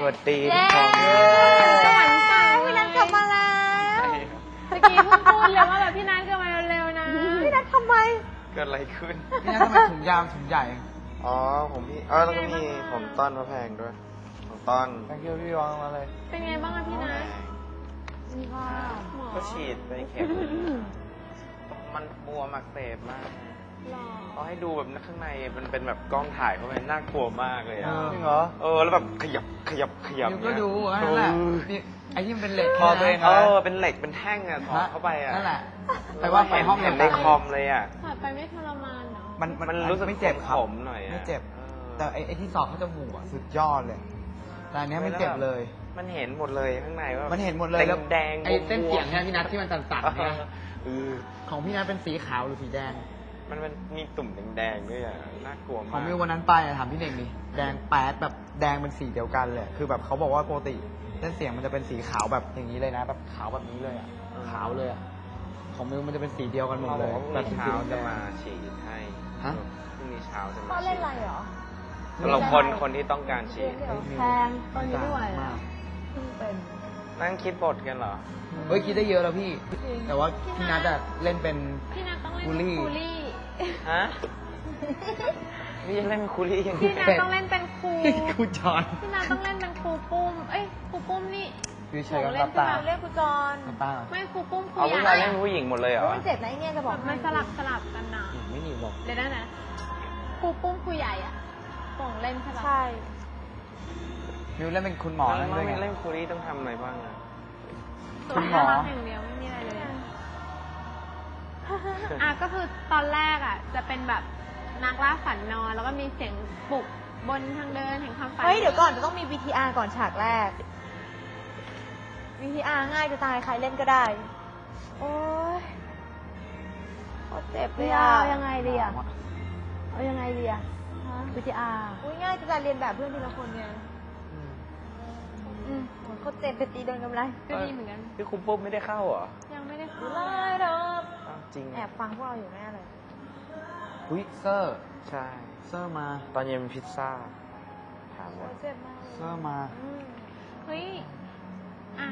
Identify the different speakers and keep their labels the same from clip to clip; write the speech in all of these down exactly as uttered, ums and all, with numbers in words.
Speaker 1: วัสดีทุกคน
Speaker 2: สวรรค์เก่าพี่นัทกลับมาแล้วเมื่อกี้เพิ่งพูดเลยว่าแบบพี่นัทกลับมาเร็วๆนะพี่นัททำไม
Speaker 1: เกิดอะไรขึ้น
Speaker 3: พี่นัททำไมถุงยาวถุงใหญ่
Speaker 1: อ๋อผมพี่อ๋อแล้วก็มีผมต้อนพระแพงด้วยผมต้อน
Speaker 3: แพงเกียวพี่วางมาเลย
Speaker 2: เป็นไงบ้างอะพี่นัทมีข้าว
Speaker 1: ก็ฉีดไปเข็มมันบวมอักเสบมากเขาให้ดูแบบข้างในมันเป็นแบบกล้องถ่ายเข้าไปน่ากลัวมากเลยอ่ะ
Speaker 3: จริงเหรอ
Speaker 1: เออแล้วแบบขยับขยับขยับ
Speaker 3: ก็ดูนั่นแหละไอ้ที่มันเป็นเหล็ก
Speaker 1: คอตัวเองเออเป็นเหล็กเป็นแท่งอ่ะถอดเข้าไปอ่ะ
Speaker 3: นั่นแหละแต่ว่าไปห้อง
Speaker 1: เห็นในคอมเลยอ่ะ
Speaker 2: ถอดไปไม่ทรมานเนาะ
Speaker 3: มัน
Speaker 1: มันรู้สึก
Speaker 3: ไม่เจ็บข
Speaker 1: มหน่อย
Speaker 3: ไม่เจ็บแต่ไอ้ที่สอบเขาจมูกอ่ะสุดยอดเลยแต่อันนี้ไม่เจ็บเลย
Speaker 1: มันเห็นหมดเลยข้างในว่า
Speaker 3: มันเห็นหมดเลยแล้ว
Speaker 1: แดง
Speaker 3: ไอ้เส้นเสียงเนี่ยพี่นัทที่มันสั่นๆเนี่ยของพี่นัทเป็นสีขาวหรือสีแดง
Speaker 1: มันมันมีตุ่มแดงๆด้วยอ่ะน่ากลัวมาก
Speaker 3: ของมิววันนั้นไปถามพี่เน่งดิแดงแป๊ดแบบแดงเป็นสีเดียวกันเลยคือแบบเขาบอกว่าปกติเส้นเสียงมันจะเป็นสีขาวแบบอย่างนี้เลยนะแบบขาวแบบนี้เลยอ่ะขาวเลยอ่ะของมิวมันจะเป็นสีเดียวกันหมดเลย
Speaker 1: แบบเช้าจะมาฉีดให้
Speaker 3: ฮะ
Speaker 1: พรุ่งนี้เช้าจะมา
Speaker 2: เขาเล่นอะไรเหรอ
Speaker 1: สำหรับคนคนที่ต้องการฉีด
Speaker 2: แพงตอนนี้ด้วยเป็น
Speaker 1: นั่งคิดบทกันเหรอ
Speaker 3: เฮ้ยคิดได้เยอะแล้วพี่แต่ว่าพี่นัทอะเล่นเป็น
Speaker 2: พี่นัทต้องเล่นเป็นคูลี่
Speaker 1: ฮะพี่เล่นคูลี่ยังไง
Speaker 2: พี่นัทต้องเล่นเป็นครู
Speaker 3: ครูจอน
Speaker 2: พี่นัทต้องเล่นเป็นครูปุ้มเอ้ยครูปุ้มนี่
Speaker 3: พี่ชัยกับตา
Speaker 2: เล่นครูจอนไม่ครูปุ้มครู
Speaker 1: ใหญ่เอาผู้ชายเล่นผู้หญิงหมดเลยเหรอ
Speaker 2: มันเจ็บนะไอเนี่ยจะบอกมันสลับสลับกันนะ
Speaker 3: ไม่หนีบอก
Speaker 2: เดี๋ยวนะนะครูปุ้มครูใหญ่อ่ะส่งเล่นใช่ปะ
Speaker 4: ใช่
Speaker 3: มิวเล่นเป็นคุณหมอ
Speaker 1: แล้วไม่เล่นคูลี่ต้องทำอะไรบ้างอะ
Speaker 3: คุณหมอ
Speaker 2: อย่างเดียวไม่มีอะไรเลยอ่ะก็คือตอนแรกอ่ะจะเป็นแบบนักล่าฝันนอนแล้วก็มีเสียงปลุกบนทางเดินแห่งความฝัน
Speaker 4: เฮ้ยเดี๋ยวก่อนจะต้องมี วี ที อาร์ ก่อนฉากแรก วี ที อาร์ ง่ายจะตายใครเล่นก็ได้โอ๊ยโคตรเจ็บเลยอ่ะ
Speaker 2: ยังไงดีอ่ะเอายังไงดีอ่ะ วี ที อาร์
Speaker 4: อุ้ยง่ายจะตายเรียนแบบเพื่อนทีละคนไงอืมโคตรเจ็บไปตีโดนกำไร
Speaker 2: ก็ดีเหมือนกัน
Speaker 1: พี่คุณปุ๊บไม่ได้เข้าเหรอ
Speaker 2: ยังไม่ได้เข้า
Speaker 4: เลยดอก
Speaker 1: จริง
Speaker 4: แอบฟังพวกเราอยู่แน่เลย
Speaker 3: อุ้ยเซอร์
Speaker 1: ใช่
Speaker 3: เซอร์มา
Speaker 1: ตอนเย็นพิซซ่าถามว่า
Speaker 4: เจ็บมาก
Speaker 3: เซอร์มา
Speaker 2: เฮ้ยอ่ะ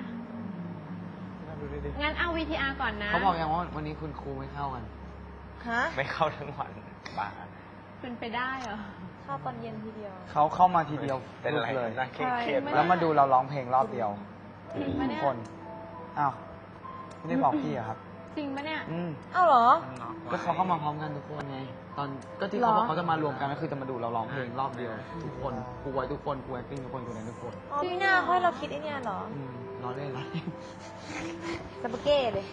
Speaker 2: งั้นเอา วี ที อาร์ ก่อนนะ
Speaker 3: เขาบอกยังว่าวันนี้คุณครูไม่เข้ากัน
Speaker 4: ฮะ
Speaker 1: ไม่เข้าทั้งวันบ้า
Speaker 2: เป็นไปได้เหรอ
Speaker 4: เข้าตอนเย็นทีเดียว
Speaker 3: เขาเข้ามาทีเดียว
Speaker 1: เป็นอะไรเลยน่าเครียด
Speaker 3: แล้วมาดูเราร้องเพลงรอบเดียวทุกคนอ้าวไม่ได้บอกพี่อะครับ
Speaker 2: จริงปะเนี่ย
Speaker 3: อืม
Speaker 4: อ้าวเหรอ
Speaker 3: ก็เขาเข้ามาพร้อมกันทุกคนไงตอนก็ที่เขาบอกเขาจะมารวมกันก็คือจะมาดูเราร้องเพลงรอบเดียวทุกคนครูไว้ทุกคนครูแอคติ้งทุกคนครูแดนทุกคน
Speaker 4: จริงนะค่อยเราคิดไอ้นี่เหรอ
Speaker 3: อืมร้องเล่นอะไร
Speaker 4: สปาเก้เลย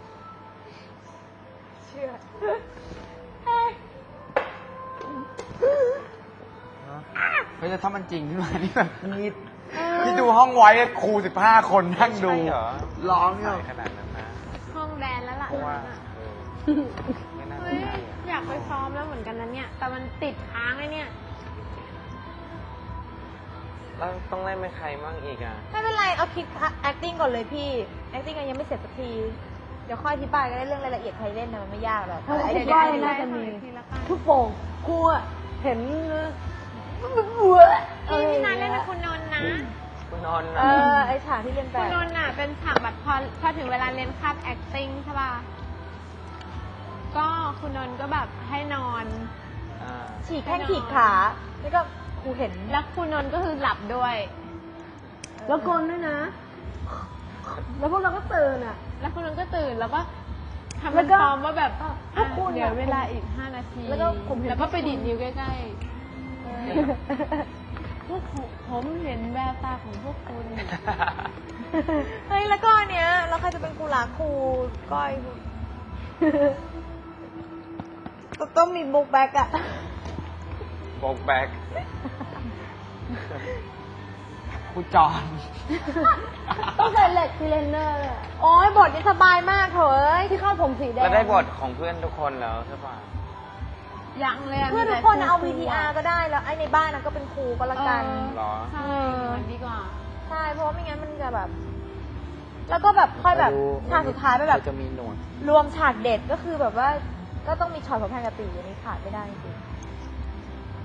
Speaker 4: เชื่อ
Speaker 3: เฮ้ยแต่ถ้ามันจริงขึ้นมานี่แบบนี่ที่ดูห้องไว้ครูสิบห้าคนนั่งดูร้องเนี่ย
Speaker 1: ขนาดนั้นนะ
Speaker 2: ห้องแดนแล้วล่ะ
Speaker 1: เพราะว่าไม่น่าจะ
Speaker 2: อยากไปซ้อมแล้วเหมือนกันนะเนี่ยแต่มันติดค้างไอ้เนี่ย
Speaker 1: แล้วต้องเล่นเป็นใครมั่งอีกอ่ะ
Speaker 4: ไม่เป็นไรเอาคิด acting ก่อนเลยพี่ acting ยังไม่เสร็จสักทีเดี๋ยวค่อยอธิบายกันได้เรื่องรายละเอียดใครเล่นนะมันไม่ยากหรอก
Speaker 2: ไอ้ที่น่าจะมีทุกโป่งครูเห็นบัวพี่พี่นัทเล่นเป็นคุณนนท์นะ
Speaker 1: คุณนนท์
Speaker 4: เออไอฉากที่เรียนแบบ
Speaker 2: คุณนนท์น่ะเป็นฉากแบบพอพอถึงเวลาเรียนคาบ acting ใช่ป่ะก็คุณนนท์ก็แบบให้นอน
Speaker 4: ฉีกแข้งฉีกขาแล้วก็ครูเห็น
Speaker 2: แล้วคุณนนท์ก็คือหลับด้วยแล้วกลนด้วยนะแล้วพวกเราก็ตื่นอ่ะแล้วคุณนนท์ก็ตื่นแล้วก็ทำเป็นซ้อมว่าแบบเดี๋ยวเวลาอีกห้านาทีแล้วก็แล้วก็ไปดีดนิ้วใกล้ๆพวกผมเห็นแววตาของพวกคุณ
Speaker 4: เฮ้ยแล้วก็เนี้ยแล้วใครจะเป็นครูรักครูก้อยต้องมีบุ๊กแบ็กอะ
Speaker 1: บุ๊กแบ็ก
Speaker 3: ครูจอน
Speaker 4: ต้องใส่เหล็กซีเลนเนอร์เลยโอ้ยบทนี้สบายมากเถอะที่เข้าผมสีแดง
Speaker 1: แล้วได้บทของเพื่อนทุกคนแล้วใช่ป่ะ
Speaker 2: ยังเลย
Speaker 4: เพื่อนทุกคนเอา วี ที อาร์ ก็ได้แล้วไอ้ในบ้านนะก็เป็นครูก็แล้วกัน
Speaker 1: หรอ
Speaker 2: ใช่ดีกว่า
Speaker 4: ใช่เพราะไม่งั้นมันจะแบบแล้วก็แบบค่อยแบบฉากสุดท้ายไปแบบ
Speaker 3: จะมีหนวด
Speaker 4: รวมฉากเด็ดก็คือแบบว่าก็ต้องมีช็อตของแพงกะตีอันนี้ขาดไม่ได้จริง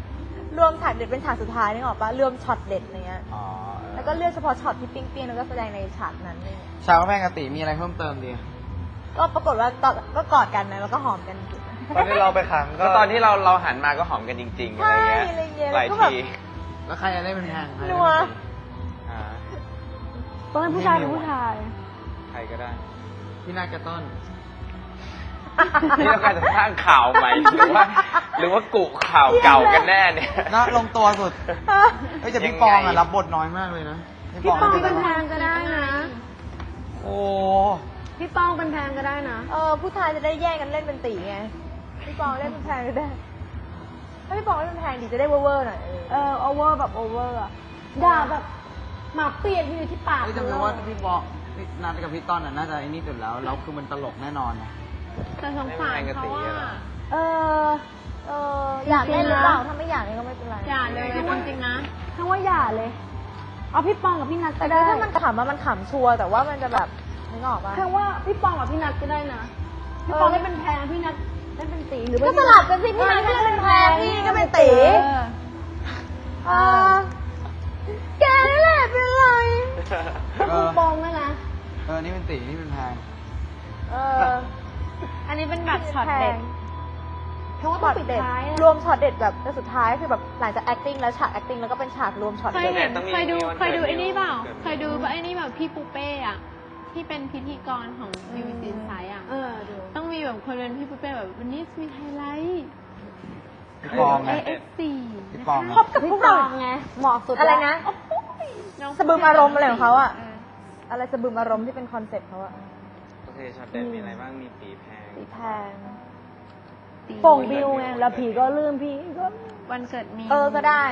Speaker 4: รวมฉากเด็ดเป็นฉากสุดท้ายนึกออกปะรวมช็อตเด็ดอะไรเงี้ย
Speaker 3: อ๋อ
Speaker 4: แล้วก็เลือกเฉพาะช็อตที่ปิ๊งเปี้ยงแล้วก็แสดงในฉากนั้นอะไรเลย
Speaker 3: ชาวแม่งกติมีอะไรเพิ่มเติมดี
Speaker 4: ก็ปรากฏว่าตอนก็กอดกันนะแล้วก็หอมกัน
Speaker 5: ตอนที่เราไปขังก็
Speaker 1: ก็ตอนที่เราเราหันมาก็หอมกันจริงๆอะไรเงี้ย
Speaker 4: ใช่อะไรเงี้ย
Speaker 1: หลาย
Speaker 4: แล้วก็แบบ
Speaker 1: ที
Speaker 3: แล้วใครจะได้เป็นแพงใครจะ
Speaker 4: นั
Speaker 3: ได้
Speaker 4: ว
Speaker 3: เป็นตี
Speaker 1: อ่า
Speaker 2: ต้องเป็นผู้ชายหรือผู้ชาย
Speaker 1: ใครก็ได้
Speaker 3: พี่นาฏกระต้น
Speaker 1: นี่เราการจะสร้างข่าวใหม่หรือว่า หรือว่ากุข่าวเก่ากันแน่เนี่ย
Speaker 3: น่าลงตัวสุดเฮ้ยแต่พี่ปองอะรับบทน้อยมากเลยนะ
Speaker 2: พี่ปอง
Speaker 3: เป็
Speaker 2: เป็น
Speaker 3: น
Speaker 2: แพงก็ได้นะ
Speaker 3: โอ้
Speaker 2: พี่ปองเป็นแพงก็ได้นะ
Speaker 4: เออผู้ชายจะได้แย่งกันเล่นเป็นตีไงพี่ปองเล่นเป็นแพงก็ได้ถ้าพี่ปองเล่นเป็นแพงดีจะได้เวอร์ๆหน่อยเออ
Speaker 2: เออโอเวอร์แบบโอเวอร์อะด่าแบบหมากเปียกอยู่ที่ปาก
Speaker 3: เฮ้ยจำได้ว่าพี่ปองพี่นาฏกับพี่ต้นอะน่าจะไอ้นี่สุดแล้วแล้วคือมันตลกแน่นอนนะ
Speaker 2: แต่สงสารเขาว่า เออ
Speaker 4: เอออยากเล่นหรือเปล่าถ้าไม่อยากเล่นก็ไม่เป็นไร
Speaker 2: อย่าเลยจริงๆนะทั้งว่าอย่าเลย เอาพี่ปองกับพี่นัท
Speaker 4: แต่
Speaker 2: ก็
Speaker 4: คือ
Speaker 2: ได้
Speaker 4: ถ้ามันขำอะมันขำชัวร์แต่ว่ามันจะแบบนึกออกปะ
Speaker 2: ทั้งว่าพี่ปองกับพี่นัทก็ได้นะพี่ปองได้เป็นแพงพี่นัทได้เป็นตีหรือ
Speaker 4: ก็สลับกันสิพี่นัทก็เป็นแพงพี่ก็เป็นตี
Speaker 2: เออ
Speaker 4: เออแกนั่นแหละเป็นไร
Speaker 2: ก็คือปองนะนะ
Speaker 3: เออนี่เป็นตีนี่เป็นแพง
Speaker 4: เออ
Speaker 2: อันนี้เป็นแบบช็อตเด็ดทั้งว่า
Speaker 4: ช็
Speaker 2: ต้อ
Speaker 4: อง ต
Speaker 2: ปิด
Speaker 4: เด็ด
Speaker 2: ท้ายอะ
Speaker 4: รวมช็อตเด็ดแบบแต่สุดท้ายคือแบบหลังจาก acting แล้วฉาก acting แล้วก็เป็นฉากรวมช็อต
Speaker 2: เคย
Speaker 4: เด็ด
Speaker 2: เห็น
Speaker 1: ต้องมี
Speaker 2: เคยดู
Speaker 1: มีวัน
Speaker 2: เคยดู
Speaker 1: เกิด
Speaker 2: ไอ้นี่เปล่า
Speaker 1: เกิด
Speaker 2: เคยดูไอ้นี่แบบพี่ปูเป้อะที่เป็นพิธีกรของมิวสิกไซส์อะต้องมีแบบคนเป็นพี่ปูเป้แบบวันนี้มีไฮไลท์
Speaker 3: พี่ปองไง
Speaker 2: เอเอฟซี
Speaker 3: พี่ปอง
Speaker 4: พบกับพวกเราไงเหมาะสุดอะไรนะสะบึมอารมณ์อะไรของเขาอะอะไรสะบึมอารมณ์ที่เป็นคอนเซ็ปต์เขาอะ
Speaker 1: โอเคช็อตเด็ดมีอะไรบ้างมีปีแพง
Speaker 4: สีแพง
Speaker 2: โป่งบิวไงแล้วผีก็ลืมผีก็วันเกิดมี
Speaker 4: เออก็ได้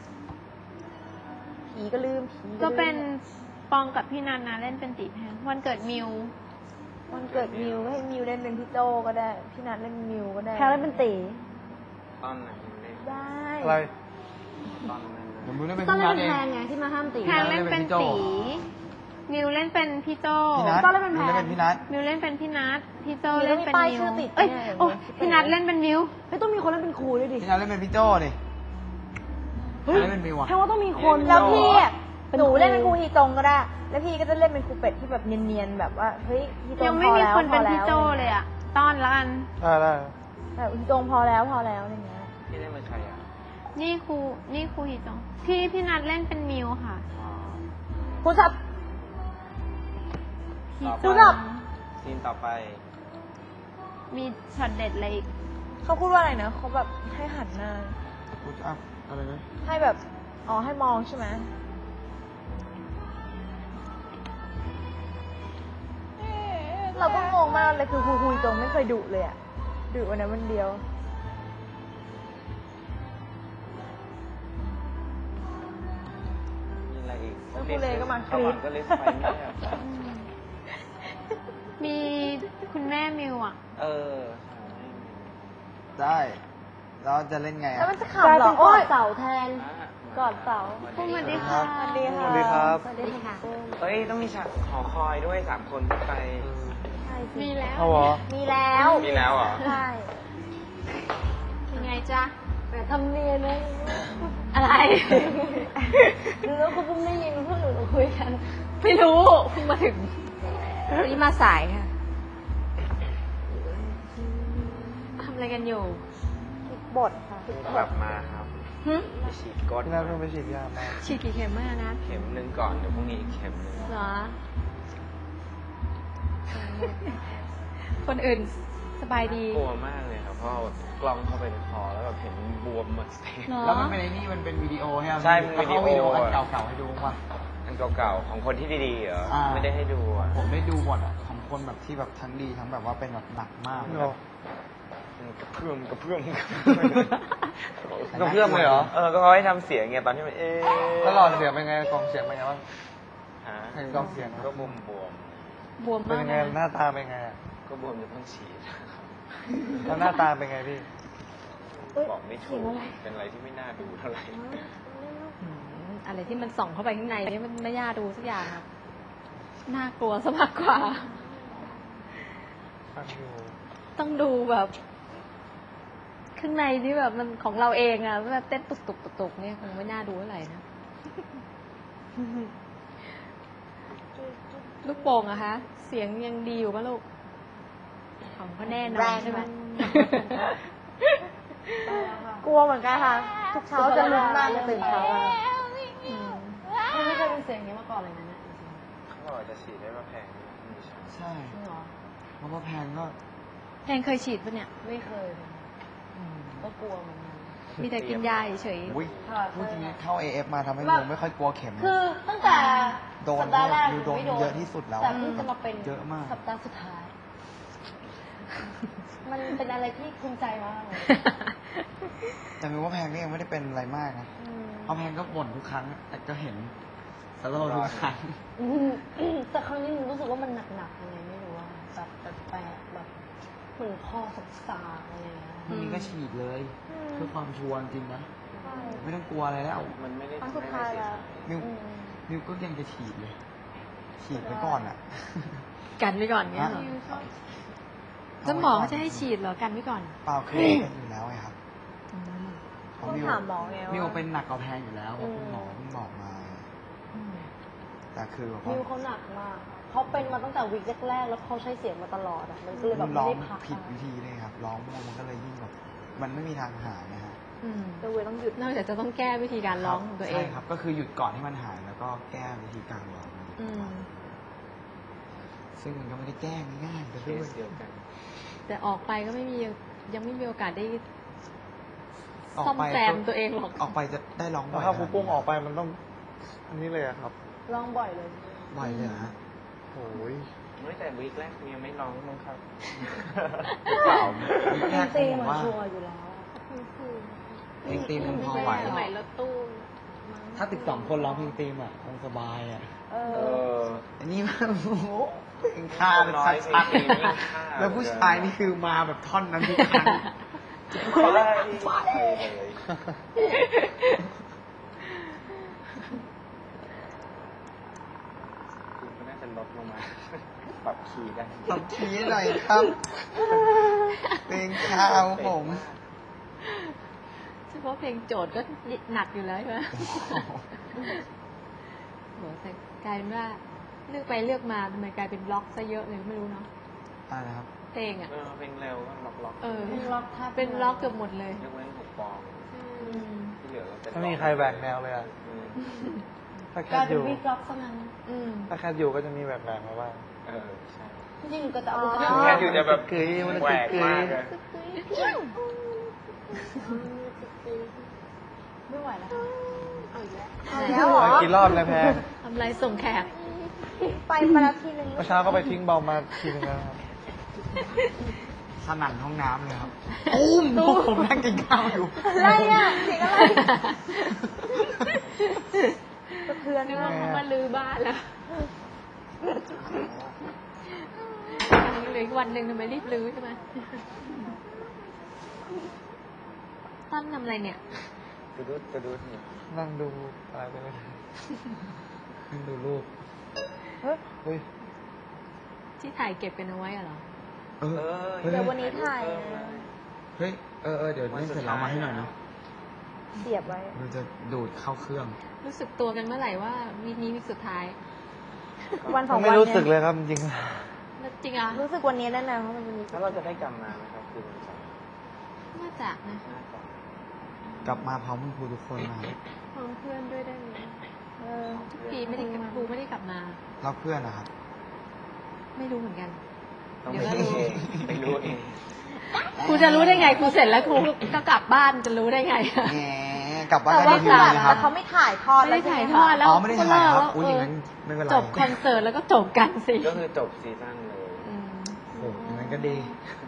Speaker 4: ผีก็ลืมผีลืม
Speaker 2: ก็เป็นปองกับพี่นันนะเล่นเป็นตีแพงวันเกิดมิว
Speaker 4: วันเกิดมิวให้มิวเล่นเป็นพี่โจก็ได้ พี่นัทเล่นเป็นมิวก็ได้
Speaker 2: แพงเล่นเป็นตี
Speaker 1: ตอนไหนเล่น
Speaker 4: ได้
Speaker 5: อะไร
Speaker 1: ตอนนั้น
Speaker 3: เดี๋ยวมึงได้เป็น
Speaker 2: ต้อง
Speaker 3: พี่
Speaker 2: เล่
Speaker 3: นั
Speaker 2: น
Speaker 3: ท
Speaker 2: เป็น
Speaker 3: เอง
Speaker 2: แพงไงที่มาห้ามตี
Speaker 3: พี่
Speaker 2: แพ
Speaker 3: นั
Speaker 2: ง
Speaker 3: ท
Speaker 2: เล่นเป็น
Speaker 3: เล่นเป็นพี่โจ้
Speaker 2: ตีมิวเล่นเป็นพี่โจ
Speaker 3: พี่นัท
Speaker 2: ก็เล่นเป็นแพ
Speaker 3: มึง
Speaker 2: ง
Speaker 3: เล่นเป็นพี่นัท
Speaker 2: มิวเล่นเป็นพี่นัทพี่โจ
Speaker 4: มี
Speaker 2: เล่นเป็น
Speaker 4: ป้าย
Speaker 2: มิว
Speaker 4: ชื่อติด
Speaker 2: เอ้ย
Speaker 4: เนี่ย
Speaker 2: โอ้
Speaker 4: เห็นไหม
Speaker 2: พี่นัทเล่นเป็นมิวไม่ต้องมีคนเล่นเป็นครูด้วยดิ
Speaker 3: พี่นัทเล่นเป็นพี่โจ้ดิใครเล่นเป็นมิวอะ
Speaker 2: แพงว่าต้องมีคน
Speaker 4: แล้วพี่อะ
Speaker 2: เป็น
Speaker 4: หนู
Speaker 2: ครู
Speaker 4: เล่นเป็นครูฮีจงก็ได้ แล้วพี่ก็จะเล่นเป็นครูเป็ดที่แบบเนียนๆแบบว่าเฮ้ยฮีจง
Speaker 2: ยังไม่
Speaker 4: พอ
Speaker 2: มี
Speaker 4: แล้ว
Speaker 2: คนเป็น
Speaker 4: พอ
Speaker 2: พี่
Speaker 4: แล้ว
Speaker 2: โจเลยอะต้อนละกัน
Speaker 5: ได้ได้
Speaker 4: แบบฮีจงพอแล้วพอแล้วอะไรเงี้ย
Speaker 1: พี่เล่นเป็นใครอ่ะ
Speaker 2: นี่ครูนี่ครูฮิจงพี่พี่นัทเล่นเป็นมิวค่ะ
Speaker 1: อ๋อ
Speaker 4: คุณชับ
Speaker 2: ฮิ
Speaker 1: ต่อ
Speaker 2: จ
Speaker 1: ไป
Speaker 4: ดู
Speaker 2: ง
Speaker 4: แบบ
Speaker 1: ซีนต่อไป
Speaker 2: มีช็อตเด็ดอะไรอีก
Speaker 4: เขาพูดว่าอะไรนะเขาแบบให้หันหน้า
Speaker 3: พุชอัพอะไรนะ
Speaker 4: ให้แบบ อ๋อให้มองใช่ไหมเราก็งงมากเลยคือครูคุยจงไม่เคยดุเลยอะดุวันนั้นวันเดียว
Speaker 1: มีอะไรอีก
Speaker 4: แล้วครูเลก็มาก
Speaker 1: เข้า
Speaker 4: รี๊
Speaker 1: ก่อ
Speaker 4: ด
Speaker 1: นก็ลิสต์ไฟเงียบ
Speaker 2: มีคุณแม่มิวอ่ะ
Speaker 1: เออ
Speaker 3: ได้แล้วจะเล่นไง
Speaker 4: แล้ว
Speaker 3: อะ
Speaker 4: มันจะขำเหรอโอ๊ย
Speaker 2: เสาแทน
Speaker 1: กอดเสา
Speaker 2: พูดมาดิค่ะ
Speaker 4: สวัสดีค่ะ
Speaker 5: สวัสดีครับ
Speaker 4: สวัสดีค่ะ
Speaker 1: เอ้ย ต้องมีฉากหอคอยด้วยสามคนขึ้นไป
Speaker 4: ใช่สิ
Speaker 2: มีแล้ว
Speaker 5: เอาเหรอ
Speaker 4: มีแล้ว
Speaker 1: มีแล้วเหรอ
Speaker 4: ใช่
Speaker 2: ยังไงจ๊ะ
Speaker 4: แต่ทำเนียนนะ
Speaker 2: อะไร
Speaker 4: ดูแล้วคุณพุ่มได้ยินพวกหนูคุยกัน
Speaker 2: ไม่รู้เพิ่งมาถึง
Speaker 4: วันนี้มาสายค่ะ
Speaker 2: ทำอะไรกันอยู่
Speaker 4: คิดบทค่ะคิดบ
Speaker 1: กลั
Speaker 4: ท
Speaker 1: บมาครับไปฉีดก้น
Speaker 5: พี่นัทเพิ่งไปฉีดยามา
Speaker 2: ฉีดกี่เข็มมากนะ
Speaker 1: เข็มหนึ่งก่อน เดี๋ยวพรุ่งนี้อีกเข็มหนึ่ง
Speaker 2: เหรอ คนอื่นสบายดี
Speaker 1: กลัวมากเลยครับ เพราะเอากล้องเข้าไปในคอแล้วแบบเห็นบวมหมดเลย
Speaker 2: เนาะ
Speaker 3: แล้วมันเป็นไอ้นี่มันเป็นวิดีโอใช่ไหม
Speaker 1: ใช่มันวิดีโอ
Speaker 3: เขาวิดีโออันเก่าๆให้ดูป่ะ
Speaker 1: อันเก่าๆของคนที่ดีๆเหรอ
Speaker 3: อ่า
Speaker 1: ไม่ได้ให้ดูอ่ะ
Speaker 3: ผมได้ดูหมดอ่ะของคนแบบที่แบบทั้งดีทั้งแบบว่าเป็นแบบหนักมาก
Speaker 5: เหรอ
Speaker 1: มันกระเพื่อมกระเพื่อม
Speaker 5: กระเพื่อมเลยเหรอ
Speaker 1: เออ ก็เขาให้ทำเสียงไงตอนที่มันเอ๊ะ
Speaker 5: แล้วหลอดเสียงเป็นไงกล่องเสียงเป็นไงบ้าง
Speaker 1: ฮะ
Speaker 5: เห็นกล่องเสียง
Speaker 1: ก็บวมบวม
Speaker 2: บวม
Speaker 5: เป็น
Speaker 2: มาก
Speaker 5: ยังไง
Speaker 2: นะ
Speaker 5: หน้าตาเป็นไงอะ
Speaker 1: ๆก็บวมจนต้องฉีด
Speaker 5: แล้วหน้าตาเป็นไงพี่
Speaker 1: บอกไม่ถูกเป็นอะไรที่ไม่น่าดูเท่าไหร่
Speaker 2: อืมอะไรที่มันส่องเข้าไปข้างในนี่มันไม่น่าดูสักอย่างครับ น่ากลัวซะมากกว่า
Speaker 5: ฟังอยู่
Speaker 2: ต้องดูแบบ คือข้างในที่แบบมันของเราเองอะแบบเต้นตุกตุกตุกตุกเนี่ยคงไม่น่าดูเท่าไหร่นะ ลูกโป่งอะคะ เสียงยังดีอยู่ปะลูก ของก็แน่นอ
Speaker 4: แร
Speaker 2: น
Speaker 4: ง
Speaker 2: ใช่ไหม
Speaker 4: กลัวเหมือนกันค่ะ ทุกเช้าจะลุ้นมากจะตื่นเช้ามา
Speaker 2: ไม่เคยเป็นเสียงนี้มาก่อนเลยนะเนี่ย
Speaker 1: เขาบอกจะฉีดได้มาแพงไม่ใช่
Speaker 3: ใช่
Speaker 2: จริงเหรอ
Speaker 3: เพราะว่าแพงก็
Speaker 2: แพงเคยฉีดปะเนี่ย ไม่เคย ก็กลัวเหมือนกันมีแต่กินยาเฉย
Speaker 3: อุ้ยพูดจริงๆเข้า เอ เอฟ มาทำให้
Speaker 2: แบบ
Speaker 3: มิวไม่ค่อยกลัวเข็ม
Speaker 2: คือตั้งแต่
Speaker 3: โดน
Speaker 2: สัปดาห์แรก
Speaker 3: มิวโดน
Speaker 2: ไม่โดน
Speaker 3: เยอะที่สุดแล้ว
Speaker 2: แต่เพิ่งจะมาเป็น
Speaker 3: เยอะมาก
Speaker 2: สัปดาห์สุดท้าย มันเป็นอะไรที่ภูมิใจมากเลย
Speaker 3: แต่มิวว่าแพงก็ยังไม่ได้เป็นอะไรมากนะเพราะแพงก็บ่นทุกครั้งแต่ก็เห็นสโลว์ทุกครั้ง
Speaker 2: อืมแต่ครั้งนี้หนูรู้สึกว่ามันหนักๆยังไงไม่รู้ว่าแบบแปลกๆแบบเหมือนคอสักสากๆอะไรอย่างเงี้ย
Speaker 3: พรุ่งนี้ก็ฉีดเลย เพื่อความชัวร์จริงนะ ไม่ต้องกลัวอะไรแล้ว
Speaker 1: มันไม่ได้
Speaker 4: ครั้งสุดท้ายแล้ว
Speaker 3: มิวมิวก็ยังจะฉีดเลย ฉีดไปก่อนอ่ะ
Speaker 2: กันไว้ก่อนเงี้ยเหรอแล้วหมอเขาจะให้ฉีดเหรอกันไว้ก่อน
Speaker 3: เปล่าเคยเป็นอยู่แล้วไงครับเพราะ
Speaker 4: ต้อง
Speaker 3: มิว
Speaker 4: ถามหมอไงว่า
Speaker 3: มิวเป็นหนักกว่าแพงอยู่แล้วเพราะคุณหมอเพิ่งบอกมา แต่คือแบบว่า
Speaker 2: มิวเขาหนักมากเขาเป็นมาตั้งแต่วีคแรกๆแล้วเขาใช้เสียงมาตลอดอ่ะมันก็เลยแบบ
Speaker 3: ร้
Speaker 2: ไม่
Speaker 3: อง
Speaker 2: ได้พัก
Speaker 3: ผิดวิธีเลยครับ ร้องมั่วมันก็เลยยิ่งแบบมันไม่มีทางหายนะฮะ
Speaker 4: ตัวเวยต้องหยุด
Speaker 2: นอกจากจะต้องแก้วิธีการร้องของตัวเอง
Speaker 3: ใช่ครับ ก็คือหยุดก่อนที่มันหายแล้วก็แก้วิธีการร้อง
Speaker 2: อืม
Speaker 3: ซึ่งมันก็ไม่ได้แก้ง่ายๆแต่
Speaker 1: เค
Speaker 3: ด้วย
Speaker 1: สเดียวกัน
Speaker 2: แต่ออกไปก็ไม่มียังไม่มีโอกาสได้
Speaker 3: ออก
Speaker 2: ซ่อม
Speaker 3: ไป
Speaker 2: แซมตัวเองหรอก
Speaker 3: ออกไปจะได้ร้องบ่
Speaker 5: แล้ว
Speaker 3: อย
Speaker 5: ถ้าครูปุ้งออกไปมันต้อง อันนี้เลยอะครับ
Speaker 2: ร้องบ่อยเลย
Speaker 3: บ่อยเลยเหรอฮะ
Speaker 5: โอ้ย
Speaker 1: ไม่แต่วีคแรกยังไม่ร้องมั้งครับ
Speaker 3: เปล่าแรก
Speaker 2: ตี
Speaker 3: ผ
Speaker 2: เห
Speaker 3: ม
Speaker 2: มือน
Speaker 3: ว่า
Speaker 2: ชัวร์อยู่แล้ว
Speaker 3: เพลงตีมมันพอไหว
Speaker 2: สมัยรถตู้
Speaker 3: ถ้าติดสองคนร้องเพลงตีมอ่ะคงสบายอ่ะ
Speaker 2: เอ
Speaker 1: เอ
Speaker 2: อ
Speaker 1: อ
Speaker 3: อันนี้มันโอ้โหเพลงฆ่าเป็น
Speaker 1: น้อย
Speaker 3: ชัด
Speaker 1: เพลงยิ่งฆ่า
Speaker 3: ๆแล้วผู้ชายนี่คือมาแบบท่อนนั้นทุกครั้ง
Speaker 1: ไปไปเลยคุณก็น่าจะลดลงมาปรับคีย์ได้
Speaker 3: ตบทีหน่อยครับ เพลงข้าวผม
Speaker 2: เฉพาะเพลงโจทย์ก็หนักอยู่แล้วใช่ไหมโหแต่กลายเป็นว่าเลือกไปเลือกมาทำไมกลายเป็นบล็อกซะเยอะเลยไม่รู้เนาะ
Speaker 3: อะไรนะครับ
Speaker 2: เพลงอ่ะ
Speaker 1: เออเพลงเร็วก็ล็อกล็อก
Speaker 2: เออเป็นบล็อกเป็นบล็อกเกือบหมดเลย
Speaker 1: ยกเว้นหกปองที่เหลือก็เป็น
Speaker 5: ถ้ามีใครแหวกแนวเลยอะ
Speaker 1: อืม
Speaker 5: ถ้าแค
Speaker 2: กลา
Speaker 5: ท
Speaker 2: ย
Speaker 5: อ
Speaker 2: เป็น
Speaker 5: ยู่
Speaker 2: วีบล็อกซะงั้นอืม
Speaker 5: ถ้าแคทอยู่ก็จะมีแหวกแนวมาบ้าง
Speaker 1: เออใช่
Speaker 2: จริงๆก็จะเอา
Speaker 4: อ๋อ
Speaker 2: จะ
Speaker 1: แค่อยู่จะแบบ
Speaker 5: กึ๋ยมัน
Speaker 1: แหวก
Speaker 5: กึ๋ย
Speaker 1: มากเลย
Speaker 2: ไม่ไหวแล้วเอาอีกแล้ว
Speaker 4: เอาแล้วเหรอ
Speaker 5: ไปกี่รอบแล้วแพง
Speaker 2: ทำไรส่งแขก
Speaker 4: ไปมาแล้วทีนึง
Speaker 5: เมื่อเช้าก็ไปทิ้งเบามาทีนึงแล้วครับ
Speaker 3: สนั่นห้องน้ำเลยครับตุ้มผมนั่งกินข้าวอยู่
Speaker 4: อะไรอ่ะเสียงอะไรสะเทือน
Speaker 2: นึก
Speaker 4: มา
Speaker 2: ว่าก เขามาลือบ้านแล้วยังเหลืออีกวันหนึ่งทำไมรีบลือใช่ไหมตั้มทำอะไรเนี่ย
Speaker 1: กระดุดกระดุดเนี่ย
Speaker 5: นั่งดูอะไรไปไม่ได้
Speaker 3: นั่งดูรูป
Speaker 4: เฮ้ย
Speaker 5: เฮ้ย
Speaker 2: ที่ถ่ายเก็บกันเอาไว้อะเหรอ
Speaker 3: เออ เฮ้ย
Speaker 4: เดี๋ยววันนี้ถ่ายนะ
Speaker 3: เฮ้ย เออเออเดี๋ยวเล่นเสร็จแล้วมาให้หน่อยเนาะ
Speaker 4: เสียบไว้
Speaker 3: เราจะดูดเข้าเครื่อง
Speaker 2: รู้สึกตัวกันเมื่อไหร่ว่าวีคนี้วีคสุดท้าย
Speaker 4: วันสอง
Speaker 5: ไม่
Speaker 4: วัน
Speaker 5: รู้สึก
Speaker 4: เนี่
Speaker 5: เลย ยครับจริง
Speaker 2: แล้วจริงอ่ะ
Speaker 4: รู้สึกวันนี้แน่นอนเพราะมันวันนี้
Speaker 1: แล้วเราจะได้กลับมาไหมครับคืนวันเสาร์
Speaker 2: น่าจะนะ
Speaker 1: น่าจะ
Speaker 3: กลับมาพร้อมคุณครูทุกคนมา
Speaker 2: พร้อมเพื่อนด้วยได้ไหม
Speaker 4: เออ
Speaker 2: ทุกปีไม่ได้กลับครูไม่ได้กลับมา
Speaker 3: รับเพื่อนนะครับ
Speaker 2: ไม่รู้เหมือนกัน
Speaker 1: ต้อง
Speaker 2: เดี๋
Speaker 1: ไป
Speaker 2: ยวก็
Speaker 1: รู้
Speaker 2: รู้
Speaker 1: เองไปรู้เอง
Speaker 2: ครูจะรู้ได้ไงครูเสร็จแล้วครูก็กลับบ้านจะรู้ได้ไง
Speaker 3: แหมกลับบ้าน
Speaker 4: แต่
Speaker 3: ได้
Speaker 4: ว่า
Speaker 3: ที
Speaker 4: กลับ
Speaker 3: เลยนะครับ
Speaker 4: แต่เขาไม่ถ่ายทอด
Speaker 2: ไม่ได้ถ่ายทอด
Speaker 4: แล้
Speaker 2: แล้ว ว
Speaker 3: อ๋อไม่ได้ถ่ายครับ
Speaker 2: ก็
Speaker 3: อุ้ย
Speaker 2: เลิ
Speaker 3: อก ย่างนั้นไม่เป็นไร
Speaker 2: จบคอนเสิร์ตแล้วก็จบกันสิ
Speaker 1: ก็คือจบซีซั่นเลย
Speaker 2: อืม
Speaker 3: โอ้โหอย่างนั้นก็ดี
Speaker 1: เ